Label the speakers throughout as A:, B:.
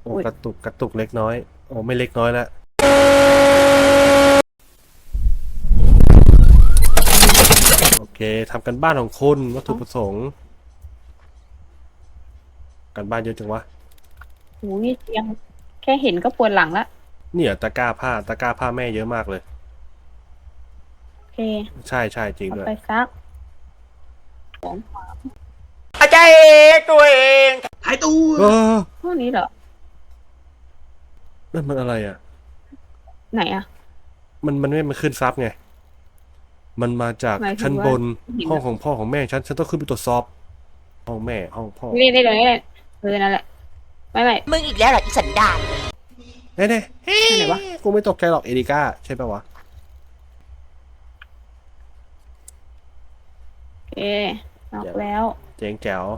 A: โอ้กระตุกกระตุกเล็กน้อยโอ้ไม่เล็กน้อยละโอเคทำกันบ้านของคุณวัตถุประสงค์กันบ้านเยอะจังวะ
B: หูยยังแค่เห็นก็ปวดหลังละ
A: เนี่ยตะกร้าผ้าแม่เยอะมากเลย
B: โอเค
A: ใช่ใช่จริง
B: เอา
A: ด้วย
B: ไปซัก
C: อาจารย์เองตัวเองหายตัว
A: เออ
B: พวกนี้เหรอ
A: นั่นมันอะไรอ่ะ
B: ไหนอะ
A: มันไม่มาขึ้นซับไงมันมาจาก
B: หมายถึง
A: ชั้นบน
B: ว่า
A: ห้องของพ่อของแม่ฉันต้องขึ้นไปตรวจสอบห้องแม่ห้องพ่อ
B: นี่นี่เลยนั่นแหละไม่
C: มึงอีกแล้วเหรออีสันดาน
A: เน่เฮ้
B: ไหนวะ
A: กูไม่ตกใจหรอกเอริก้าใช่ปะวะ
B: โอเคออกแล้ว
A: เจ๋งแจ๋ว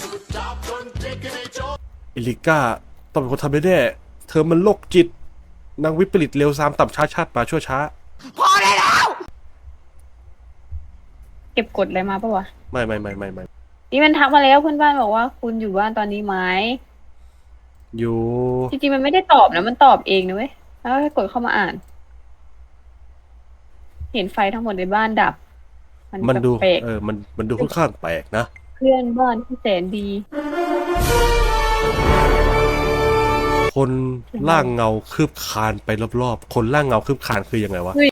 A: เอริก้าต้องเป็นคนทำแน่ๆเธอมันโรคจิตนางวิปริตเร็วซามต่ำช้าชาติมาชั่วช้า
C: พอได้แล้ว
B: เก็บกดอะไรมาปะวะ
A: ไม่
B: นี่มันทักมาแล้วเพื่อนบ้านบอกว่าคุณอยู่บ้านตอนนี้ไหม
A: อยู่
B: จริงๆมันไม่ได้ตอบนะมันตอบเองนะเว้ยแล้วก็กดเข้ามาอ่าน เห็นไฟทั้งหมดในบ้านดับ
A: มันดู
B: แปลก
A: มันดูค่อนข้างแปลกนะ
B: เพื่อนบ้านที่แสนดี
A: คนล่างเงาคืบคานไปรอบๆคนล่างเงาคืบคานคือยังไงวะ